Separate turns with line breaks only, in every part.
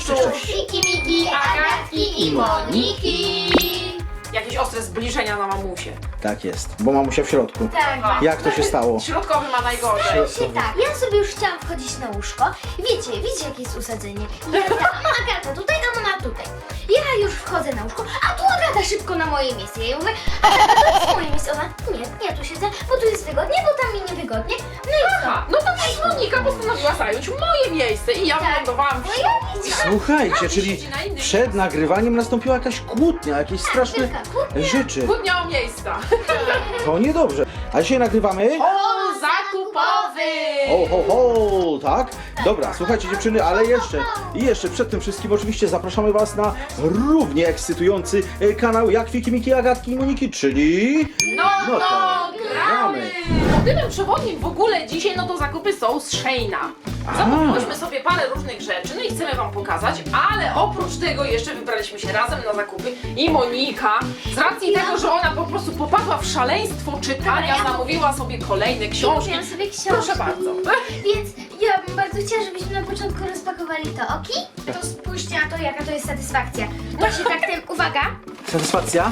cześć.
Miki, Miki, Agatki i Moniki.
Jakieś ostre zbliżenia na mamusie.
Tak jest, bo mamusia w środku.
Tak.
Jak to się stało?
Środkowy ma najgorzej.
Się tak, ja sobie już chciałam wchodzić na łóżko. Wiecie jakie jest usadzenie. Ja tam, Agata tutaj, a mama tutaj. Ja już wchodzę na łóżko, a tu Agata szybko na moje miejsce. Ja jej mówię, Agata, to jest moje miejsce. Ona, nie, ja tu siedzę, bo tu jest wygodnie, bo tam mi niewygodnie. No i co?
No to też Monika postanowiła zająć moje miejsce i ja wylądowałam w
No
środku.
ja
Słuchajcie, czyli
siedzi na innym
przed nagrywaniem nastąpiła jakaś kłótnia, jakieś straszne
wielka kłótnia.
rzeczy.
Kłótnia o miejsca.
To niedobrze. A dzisiaj nagrywamy?
O, zakupowy!
Ho, ho, ho, tak? Dobra, słuchajcie dziewczyny, ale jeszcze przed tym wszystkim oczywiście zapraszamy was na równie ekscytujący kanał jak Fiki, Miki, Agatki i Moniki, czyli...
No
No to
gramy! Motywem przewodnim w ogóle dzisiaj to zakupy są z Sheina. Zakupiliśmy sobie parę różnych rzeczy, no i chcemy wam pokazać, ale oprócz tego jeszcze wybraliśmy się razem na zakupy i Monika, z racji tego, że ona po prostu popadła w szaleństwo czytania, zamówiła sobie kolejne książki.
Kupiłam sobie książki.
Proszę bardzo.
Więc ja bym bardzo chciała, żebyśmy na początku rozpakowali to, ok? To spójrzcie na to, jaka to jest satysfakcja. Właśnie tak, uwaga.
Satysfakcja?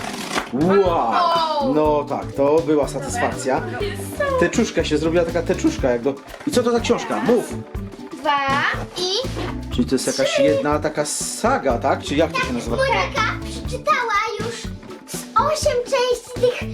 Wow! No tak, to była satysfakcja. Teczuszka się zrobiła, taka teczuszka jak do... I co to za książka? Mów!
2 i...
Czyli to jest jakaś jedna taka saga, tak? Czy jak to się nazywa?
Monika przeczytała już z 8 części tych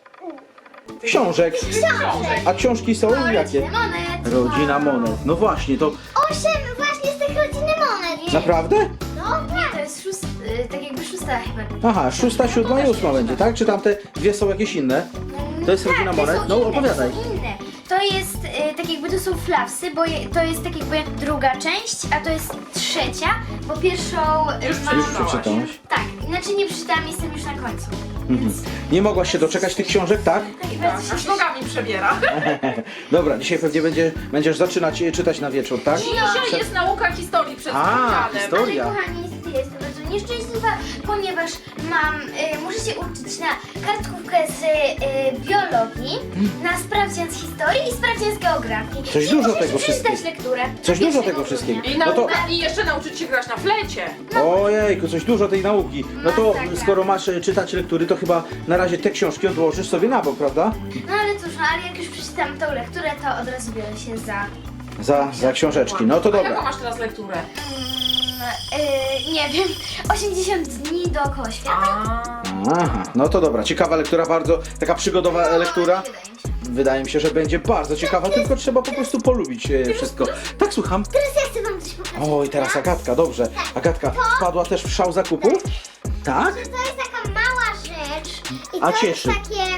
Książek.
książek.
A książki są jakie?
Rodziny Monet.
Rodzina Monet. No właśnie, to
8 właśnie z tych Rodziny Monet.
naprawdę?
No tak. To jest tak jakby szósta chyba.
Aha, 6., 7. i 8 będzie, tak? Czy tamte dwie są jakieś inne? To jest Rodzina
te
Monet?
są
No
inne,
opowiadaj.
To są inne. To jest tak jakby to są flapsy, bo to jest tak jakby druga część, a to jest trzecia, bo pierwszą
Już
mam...
Już przeczytałaś?
Tak, inaczej nie przeczytałam, jestem już na końcu. Więc
Nie mogłaś się doczekać tych książek, tak?
tak bardzo
Aż
się
nogami przebiera.
Dobra, dzisiaj pewnie będziesz zaczynać czytać na wieczór, tak?
Dzisiaj jest nauka historii przed
A,
sprawdzianem.
historia.
Ale kochani, niestety jestem bardzo nieszczęśliwa, ponieważ muszę się uczyć na kartkówkę z biologii, na sprawdzian z historii i sprawdzian z geografii.
Coś
I
dużo
muszę
tego
przeczytać
wszystkiego.
lekturę.
Coś dużo
1
tego
grudnia.
wszystkiego.
I
No to...
nauka, i jeszcze nauczyć się grać na flecie.
Ojejku, coś dużo tej nauki. No to
Masakra.
skoro masz czytać lektury, to chyba na razie te książki odłożysz sobie na bok, prawda?
No ale cóż, no, ale jak już przeczytam tą lekturę, to od razu biorę się za...
Za książeczki. No to
A jaką
dobra.
masz teraz lekturę?
Nie wiem, 80 dni dookoła świata.
Aha, no to dobra. Ciekawa lektura, bardzo taka przygodowa lektura.
Wydaje mi się.
Wydaje mi się, że będzie bardzo ciekawa, tylko trzeba po prostu polubić wszystko. Tak, słucham.
Teraz ja chcę wam coś pokazać.
Oj, teraz Agatka, dobrze. Agatka wpadła też w szał zakupów? Tak?
To jest taka mała rzecz i
A
to
cieszy.
jest takie,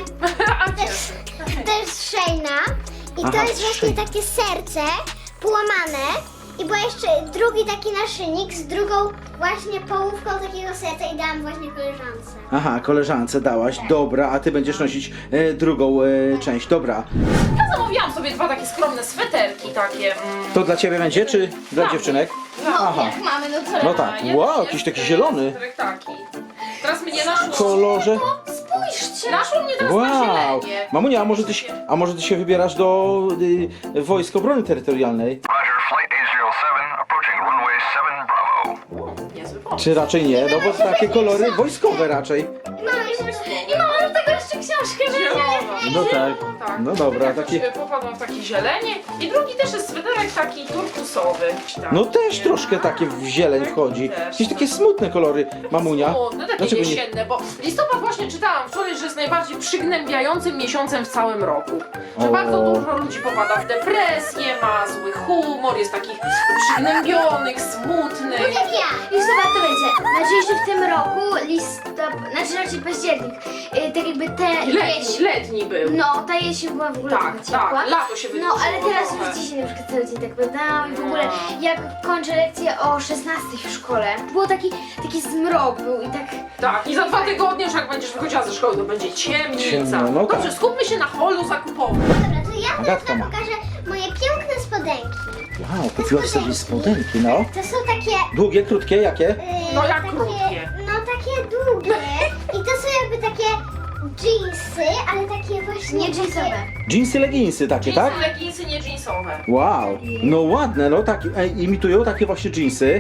to jest Sheina i
Aha,
to jest właśnie
Shein.
takie serce połamane i był jeszcze drugi taki naszyjnik z drugą właśnie połówką takiego serca i dałam właśnie koleżance.
Aha, koleżance dałaś, dobra, a ty będziesz nosić drugą część, dobra.
Ja zamówiłam sobie dwa takie skromne sweterki, takie...
To dla ciebie będzie, czy dla dziewczynek? Aha,
Jak mamy, no to...
no tak, wow, jakiś taki zielony.
Taki. Teraz mnie naszło...
W kolorze.
Spójrzcie!
Naszło mnie teraz na
Wow!
zielenie.
Mamunia, a może ty się wybierasz do Wojsk Obrony Terytorialnej?
Roger, flight 807, approaching runway 7 Bravo.
O, niezły pomysł.
Czy raczej nie? No bo takie kolory wojskowe raczej.
I mamy do tego jeszcze książkę,
No tak.
Tak.
No dobra,
Jakoś,
taki...
popadłam w takie zielenie i drugi też jest sweterek taki turkusowy.
No też troszkę takie w zieleń wchodzi. Jakieś takie smutne kolory, mamunia.
No takie
Dlaczego nie?
jesienne, bo listopad właśnie czytałam wczoraj, że jest najbardziej przygnębiającym miesiącem w całym roku. Że
O.
bardzo dużo ludzi popada w depresję, ma zły humor, jest takich przygnębionych, smutnych.
Jak ja! Listopad to będzie. Nadzieję, że w tym roku znaczy raczej październik. Tak jakby te
Letni był.
No, ta jesień była w ogóle
Tak,
taka ciepła.
tak, lato się
No,
wydłużyło
ale teraz
trochę.
już dzisiaj na przykład cały dzień tak będę i w ogóle jak kończę lekcję o 16 w szkole, było taki zmrok był i tak...
Tak, i za 2 tygodnie już jak będziesz wychodziła ze szkoły, to będzie ciemnica.
Ciemno, no tak.
Dobrze, skupmy się na holu zakupowym.
Dobra, to ja
Agatka
teraz
ma.
wam pokażę moje piękne spodenki.
Wow, kupiłaś sobie spodenki, no.
To są takie...
Długie, krótkie, jakie?
No jak
takie,
krótkie?
No takie długie i to są jakby takie jeansy, ale takie właśnie...
Nie jeansowe.
Jeansy, leginsy takie, tak?
Leginsy, nie jeansowe.
Wow, no ładne, no tak, imitują takie właśnie jeansy.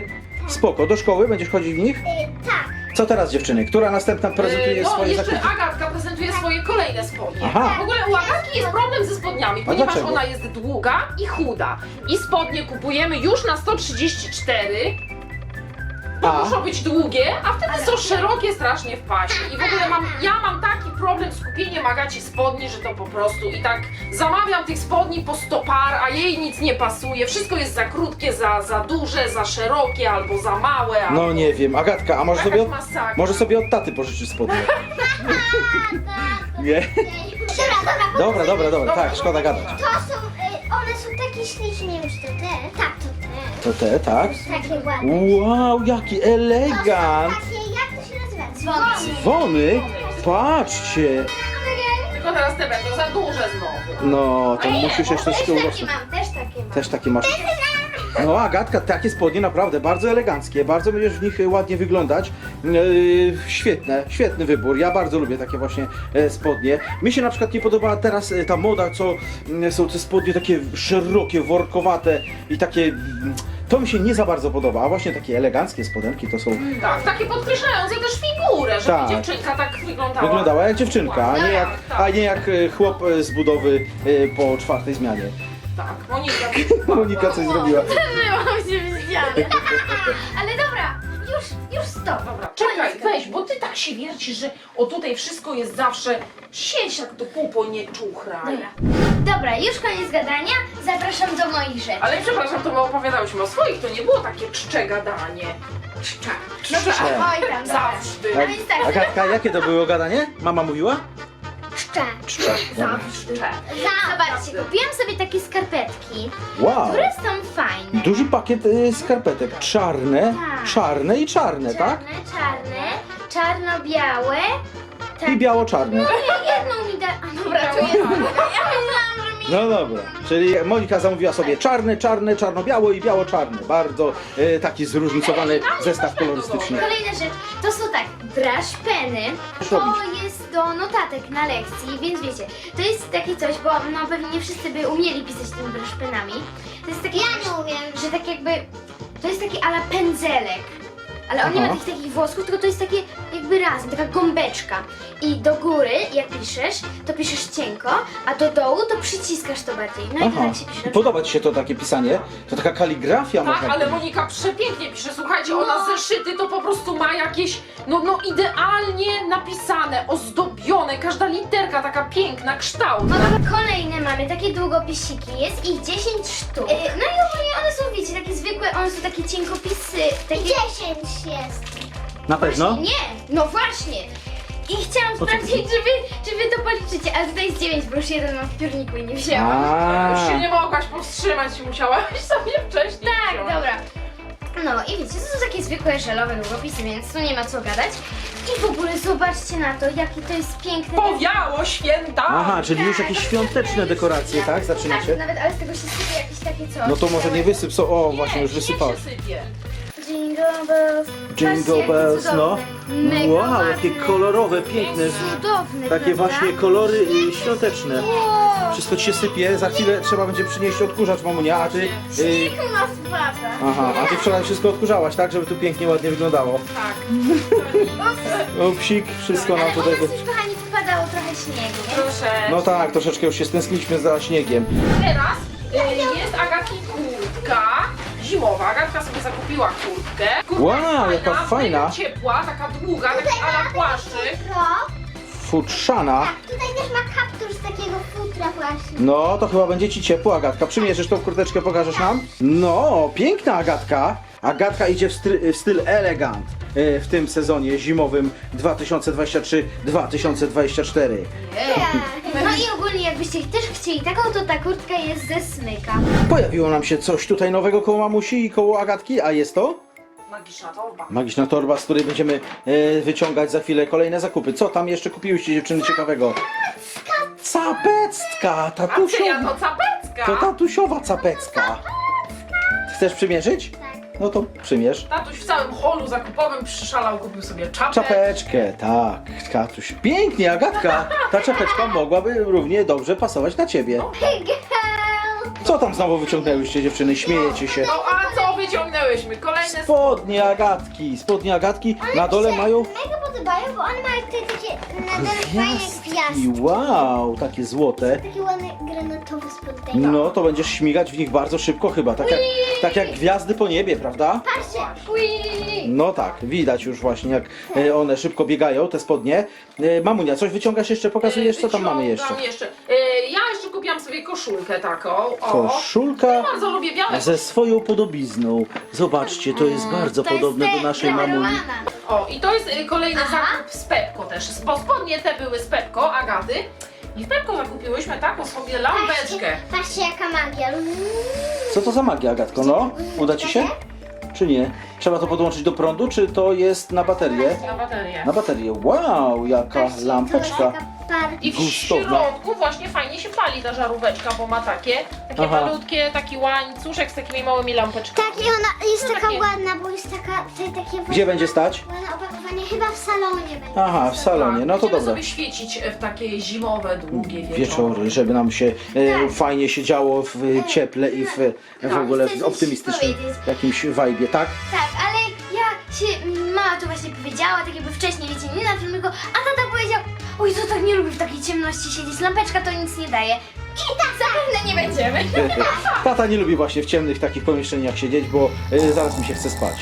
Spoko. Do szkoły będziesz chodzić w nich?
Tak.
Co teraz, dziewczyny? Która następna prezentuje
No,
swoje
jeszcze
zakupy?
Agatka prezentuje swoje kolejne spodnie.
Aha.
W ogóle u Agatki jest problem ze spodniami, ponieważ
dlaczego?
ona jest długa i chuda. I spodnie kupujemy już na 134, bo
A?
muszą być długie, a wtedy są szerokie strasznie w pasie. I w ogóle ja mam taki problem z kupieniem Agaci spodni, że to po prostu i tak zamawiam tych spodni po 100 par, a jej nic nie pasuje. Wszystko jest za krótkie, za duże, za szerokie albo za małe. Albo...
No nie wiem. Agatka, a może sobie od taty pożyczysz spodnie? Nie? Dobra. Tak, szkoda gadać.
To są, one są takie śliczne, nie wiem czy to te. Tak, to te.
To te, tak?
Takie ładne.
Wow, jaki elegant!
Takie, jak to się nazywa?
Dzwony? Patrzcie!
Tylko teraz te będą za duże znowu.
No, to
Nie,
musisz jeszcze
Też
troszkę
takie
urosnąć.
mam, też takie mam.
Też takie masz. No Agatka, takie spodnie naprawdę bardzo eleganckie, bardzo będziesz w nich ładnie wyglądać. Świetny wybór. Ja bardzo lubię takie właśnie spodnie. Mi się na przykład nie podoba teraz ta moda, co są te spodnie takie szerokie, workowate i takie... To mi się nie za bardzo podoba, a właśnie takie eleganckie spodenki to są...
Tak, takie podkreślające też figurę, żeby
Tak.
dziewczynka tak wyglądała.
Wyglądała jak dziewczynka, a nie jak chłop z budowy po 4. zmianie.
Tak,
Monika coś zrobiła.
Byłam się widziane. Ale dobra, już stop.
Dobra, czekaj, weź, bo ty tak się wiercisz, że o tutaj wszystko jest zawsze sieć jak do pupo, nie czuchraj.
Dobra, już koniec gadania. Zapraszam do moich rzeczy.
Ale przepraszam, to my opowiadałyśmy o swoich, to nie było takie czcze gadanie. Czcze.
Oj tam, dobra.
Zawsze.
A więc tak,
Agatka, jakie to było gadanie? Mama mówiła?
Czcze.
Czcze.
Zawsze.
zobaczcie, kupiłam sobie takie skarpetki,
Wow!
które są fajne.
Duży pakiet skarpetek. Czarne,
Tak.
czarne i czarne, tak?
Czarne, czarno-białe. Tak.
I biało-czarne.
Jedną mi da... A dobra, to jedną mi da. Ja myślałam, że mi...
No dobra, czyli Monika zamówiła sobie czarne, czarno-biało i biało-czarne. Bardzo taki zróżnicowany zestaw kolorystyczny.
Kolejna rzecz, to są tak, brush peny, to jest do notatek na lekcji, więc wiecie, to jest takie coś, bo no pewnie nie wszyscy by umieli pisać tymi brush penami. To jest takie,
Ja nie umiem.
że tak jakby, to jest taki ala pędzelek. Ale on nie ma
Aha.
tych takich włosków, tylko to jest takie jakby razem, taka gąbeczka. I do góry, jak piszesz, to piszesz cienko, a do dołu to przyciskasz to bardziej. No i to
Aha.
tak się pisze.
Podoba Ci się to takie pisanie? To taka kaligrafia
Tak,
można
ale
powiedzieć.
Monika przepięknie pisze. Słuchajcie, ona zeszyty to po prostu ma jakieś, no idealnie napisane, ozdobione, każda literka taka piękna, kształtna.
Kolejne mamy takie długopisiki, jest ich 10 sztuk. No i ogólnie one są, wiecie, takie zwykłe, one są takie cienkopisy, takie...
10 jest.
Na pewno?
Nie, no właśnie. I chciałam
co
sprawdzić,
chodzi?
czy wy to policzycie, ale tutaj jest 9, bo już jeden mam w piórniku i nie wzięłam.
A.
Już się nie mogłaś powstrzymać, musiałaś sobie wcześniej
Tak,
wziąć.
dobra. No i wiecie, to są takie zwykłe żelowe długopisy, więc tu nie ma co gadać. I w ogóle zobaczcie na to, jakie to jest piękne.
Powiało święta!
Aha, czyli już jakieś świąteczne dekoracje, tak?
Tak,
Zaczynacie?
nawet, ale z tego się sypie jakieś takie coś.
No to może nie wysyp, o właśnie już
niech
wysypałeś.
się sypie.
Jingle bells.
Jingle
Patrzcie, jakie
bells, no.
cudowne. Mega
Wow,
ładne.
jakie kolorowe, piękne.
Cudowne,
Takie
prawda?
właśnie kolory świąteczne.
Wow.
Wszystko ci się sypie, za chwilę trzeba będzie przynieść odkurzacz, mamunia, a ty...
Niech nas wraca.
Aha, a ty wczoraj wszystko odkurzałaś, tak? Żeby tu pięknie, ładnie wyglądało.
Tak.
O, psik, wszystko nam
Ale u
tutaj...
nas już, kochani, wpadało trochę śniegu, nie?
Proszę.
No tak, troszeczkę już się stęskniliśmy za śniegiem.
Teraz jest Agatki kurtka zimowa. Agatka sobie zakupiła kurtkę. Kurtka
Wow,
jest
jaka fajna.
mega ciepła, taka długa, taki ala płaszczyk.
Pro.
Futrzana.
Tak, tutaj też ma kaptur z takiego futra właśnie.
No, to chyba będzie ci ciepło, Agatka. Przymierzysz tą kurteczkę, pokażesz nam? No, piękna Agatka. Agatka idzie w styl elegant w tym sezonie zimowym 2023-2024.
No i ogólnie jakbyście też chcieli taką, to ta kurtka jest ze smyka.
Pojawiło nam się coś tutaj nowego koło mamusi i koło Agatki, a jest to
Magiczna torba.
magiczna torba, z której będziemy wyciągać za chwilę kolejne zakupy. Co tam jeszcze kupiłyście, dziewczyny, ciekawego? Capecka!
A ty ja
Tatusiowa!
to capecka.
To tatusiowa capecka. Chcesz przymierzyć?
Tak.
No to przymierz.
Tatuś w całym holu zakupowym przyszalał, kupił sobie czapę.
Czapeczkę, tak, Katuś. Pięknie, Agatka. Ta czapeczka mogłaby równie dobrze pasować na ciebie.
Girl.
Co tam znowu wyciągnęłyście, dziewczyny? Śmiejecie się.
No a co wyciągnęłyśmy. Kolejne
Spodnie Agatki. Na dole mają
Mega podobają, bo one mają tutaj takie na dole fajne gwiazdki.
Wow, takie złote.
Takie ładne granatowe spodnie.
No to będziesz śmigać w nich bardzo szybko chyba, tak jak gwiazdy po niebie, prawda?
Patrzcie,
No tak, widać już właśnie jak one szybko biegają, te spodnie. Mamunia, coś wyciągasz jeszcze, pokazujesz co tam mamy jeszcze?
Wyciągam jeszcze. Ja jeszcze kupiłam sobie koszulkę taką. O.
Koszulka
Bardzo lubię białe.
ze swoją podobizną. Zobaczcie, to jest bardzo
To jest
podobne do
te
naszej mamuni.
preferowana.
O, i to jest kolejny zakup z Pepko też. Bo spodnie te były z Pepko, Agaty. I w Pepko zakupiłyśmy taką sobie lampeczkę.
patrzcie jaka magia.
Co to za magia, Agatko? No, uda ci się? Czy nie? Trzeba to podłączyć do prądu, czy to jest na baterię?
Na baterię.
Na baterię. Wow, jaka
Patrzcie, to
lampeczka.
jest taka
I w
gustowna.
środku właśnie fajnie się pali ta żaróweczka, bo ma takie
Aha.
malutkie, taki łańcuszek z takimi małymi lampeczkami.
Tak, i ona jest
No
taka
takie-
ładna, bo jest taka, takie
Gdzie będzie stać?
ładne opakowanie, chyba w salonie będzie.
Aha, w salonie, no to
Będziemy
dobra.
sobie świecić w takie zimowe, długie
Wieczory, żeby nam się fajnie się działo w cieple i w ogóle
chcę
w
coś
optymistycznym
powiedzieć.
jakimś vibe'ie, tak?
Tak, ale ja się, mama to właśnie powiedziała, tak jakby wcześniej, wiecie, nie na filmiku, a tata powiedział, oj, to tak nie lubię w takiej ciemności siedzieć, lampeczka to nic nie daje. I tak zapewne nie będziemy.
Tata nie lubi właśnie w ciemnych takich pomieszczeniach siedzieć, bo zaraz mi się chce spać.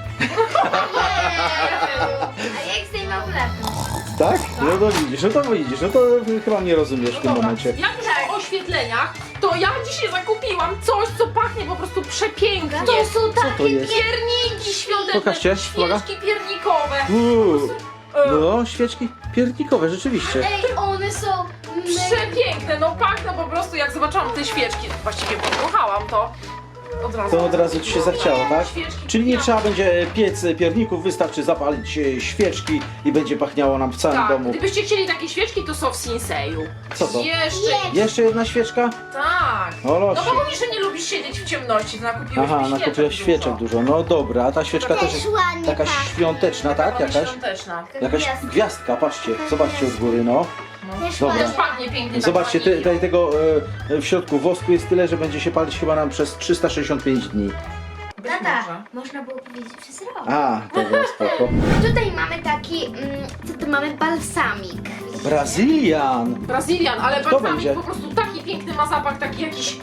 A jak zdejmę okularkę?
Tak? No to widzisz, no to chyba mnie rozumiesz w tym
Dobra,
momencie.
jak już o oświetleniach, to ja dzisiaj zakupiłam coś, co pachnie po prostu przepięknie.
To są
Co to
takie
jest?
Pierniki świąteczne,
Pokażcie, uwaga.
świeczki piernikowe.
Uuu,
E,
no, świeczki piernikowe, rzeczywiście.
Ej, one są mega...
Przepiękne, no pachną po prostu, jak zobaczyłam te świeczki, właściwie podmuchałam to.
To od razu ci się zachciało, tak?
Świeczki.
Czyli nie trzeba będzie piec pierników, wystarczy zapalić świeczki i będzie pachniało nam w całym
Tak,
domu.
gdybyście chcieli takie świeczki, to są w Sinseju.
Co to?
Jeszcze,
Jeszcze jedna świeczka?
tak.
O,
No
losie.
bo mówisz, że nie lubisz siedzieć w ciemności, to nakupiłeś
Aha, nakupiłaś świeczek dużo. No dobra, ta świeczka też jest
ładnie
taka
pachnie.
świąteczna, tak? Jakaś?
Świąteczna.
Jakaś gwiazdka, patrzcie, zobaczcie od góry, no.
Też
Dobra.
Też pachnie pięknie.
Zobaczcie,
tak wanilią.
tego w środku wosku jest tyle, że będzie się palić chyba nam przez 365 dni.
Być
Tata,
może.
można było powiedzieć przez rok.
A, dobra, spoko.
Tutaj mamy taki, co tu mamy, balsamik.
Brazylian!
Brazylian, ale
Kto
balsamik
będzie?
po prostu taki piękny ma zapach, taki jakiś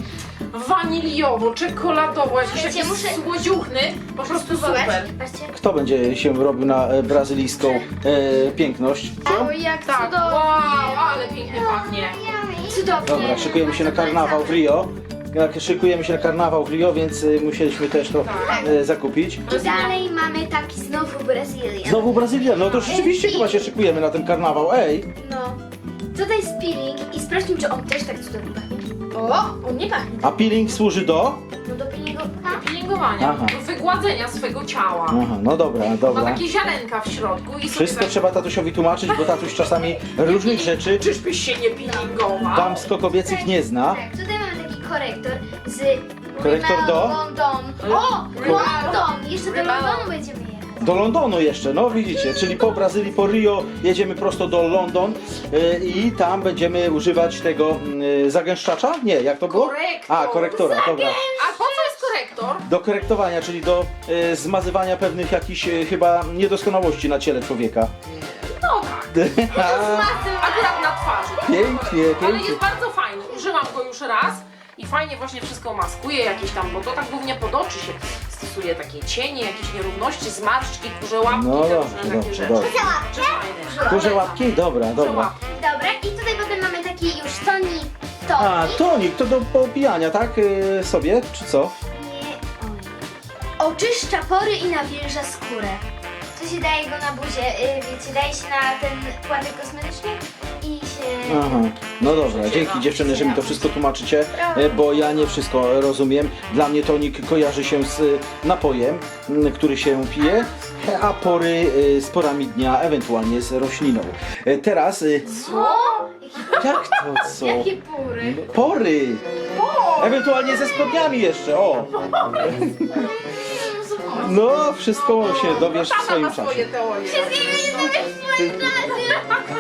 waniliowo, czekoladowo, jakiś
Wiecie,
taki
muszę
słodziuchny, po prostu super.
Patrzcie.
Kto będzie się robił na brazylijską piękność? Co?
Oj, jak
Tak,
cudownie.
wow, ale pięknie pachnie.
Cudownie.
Dobra, szykujemy się na karnawał w Rio. Jak szykujemy się na karnawał w Rio, więc musieliśmy też to
Tak.
zakupić.
I dalej mamy taki znowu Brazylian.
Znowu Brazylia, no to rzeczywiście chyba się szykujemy na ten karnawał, ej!
No. Tutaj jest peeling i sprawdźmy, czy on też tak cudownie pachnie. O, on nie pachnie.
A peeling służy do?
No do peelingu.
Peelingowania,
Aha.
do wygładzenia swego ciała.
Aha, no dobra,
Ma
dobra.
takie ziarenka w środku i
Wszystko
sobie
trzeba tatusiowi tłumaczyć, bo tatuś czasami różnych rzeczy
Czyżbyś się nie peelingował?
damsko-kobiecych nie zna.
Tak, tutaj mamy taki korektor z
Korektor
Rimmel
do?
London. O,
Rimmel.
London! Jeszcze do
Rimmel.
Londonu będziemy jechać.
Do Londonu jeszcze, no widzicie, czyli po Brazylii, po Rio jedziemy prosto do London i tam będziemy używać tego zagęszczacza? Nie, jak to było?
Korektor.
A, korektora, dobra.
A po co jest korektor?
Do korektowania, czyli do zmazywania pewnych jakichś chyba niedoskonałości na ciele człowieka.
No tak, akurat na twarzy.
Pięknie,
Ale
pięknie.
jest bardzo fajny. Użyłam go już raz i fajnie właśnie wszystko maskuje, jakieś tam, bo to tak głównie pod oczy się stosuje, takie cienie, jakieś nierówności, zmarszczki, kurze łapki,
No
te
dobrze,
różne takie
dobrze,
rzeczy.
dobrze.
Czy fajne.
Kurze łapki? Dobra,
Kurze
dobra.
łapki.
Dobra, i tutaj potem mamy taki już tonik.
A, tonik, to do popijania, tak? Sobie, czy co?
Nie, oj. Oczyszcza pory i nawilża skórę. To się daje go na buzię, wiecie, daje się na ten płatek kosmetyczny i się...
Aha, no dobra, dzięki dziewczyny, że mi to wszystko tłumaczycie, bo ja nie wszystko rozumiem. Dla mnie tonik kojarzy się z napojem, który się pije, a pory z porami dnia, ewentualnie z rośliną. Teraz,
Co?
jak to co?
Jakie pory?
Pory! Ewentualnie ze spodniami jeszcze, o! No, wszystko się dowiesz w
Tata
swoim
ma
czasie.
swoje teorie.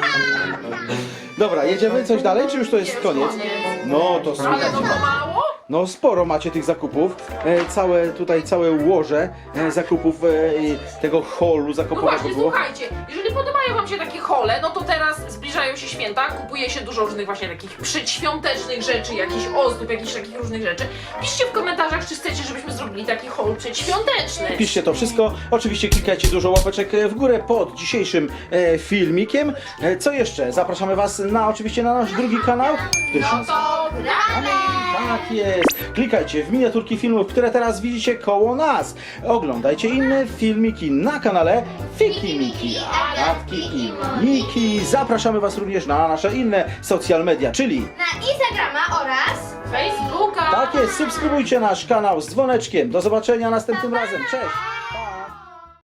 Dobra, jedziemy coś dalej, czy już to jest koniec? No, to
Ale no
super.
to mało?
No sporo macie tych zakupów, całe łoże zakupów tego holu
No
zakupowego
właśnie,
było.
słuchajcie, jeżeli podobają wam się takie hole, no to teraz zbliżają się święta, kupuje się dużo różnych właśnie takich przedświątecznych rzeczy, jakichś ozdób, jakichś takich różnych rzeczy. Piszcie w komentarzach, czy chcecie, żebyśmy zrobili taki hol przedświąteczny.
Piszcie to wszystko, oczywiście klikajcie dużo łapeczek w górę pod dzisiejszym filmikiem. Co jeszcze? Zapraszamy was oczywiście na nasz drugi kanał. który się
No to gramy!
Tak jest. Klikajcie w miniaturki filmów, które teraz widzicie koło nas. Oglądajcie inne filmiki na kanale Fiki Miki, Agatki i Moniki. Zapraszamy was również na nasze inne social media, czyli
Na Instagrama oraz...
Facebooka!
tak jest, subskrybujcie nasz kanał z dzwoneczkiem. Do zobaczenia następnym razem. Cześć!